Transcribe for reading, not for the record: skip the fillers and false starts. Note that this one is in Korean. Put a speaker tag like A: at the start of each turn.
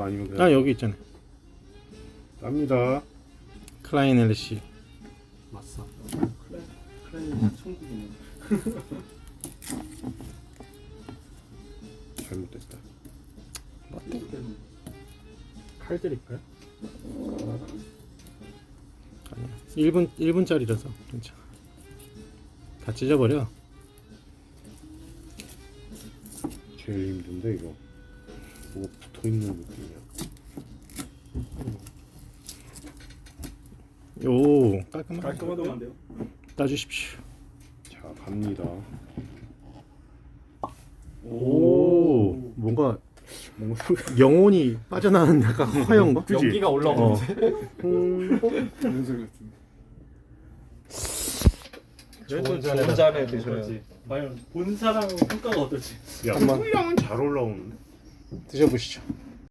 A: 아니면 그냥
B: 아 여기 있잖아요.
A: 땁니다.
B: 클라인 LC.
C: 맞어. 클라인 천국이네.
A: 잘못됐다.
B: 어때?
C: 칼 드릴까요?
B: 아니야. 1분짜리라서 괜찮아. 다 찢어버려.
A: 제일 힘든데 이거. 뭐가 붙어있는 느낌이야.
B: 오 깔끔하게
C: 깔끔하던데요?
B: 따주십시오.
A: 자 갑니다.
B: 오 뭔가 영혼이 빠져나가는 약간 화영과
A: 그치?
D: 연기가 올라오는데.
C: 그런 소리 같은데.
D: 좋은 잔에 드셔야지.
C: 과연 본 사람의 평가가 어떨지.
A: 야,
B: 한번.
A: 술량은 잘 올라오는데.
B: 드셔보시죠.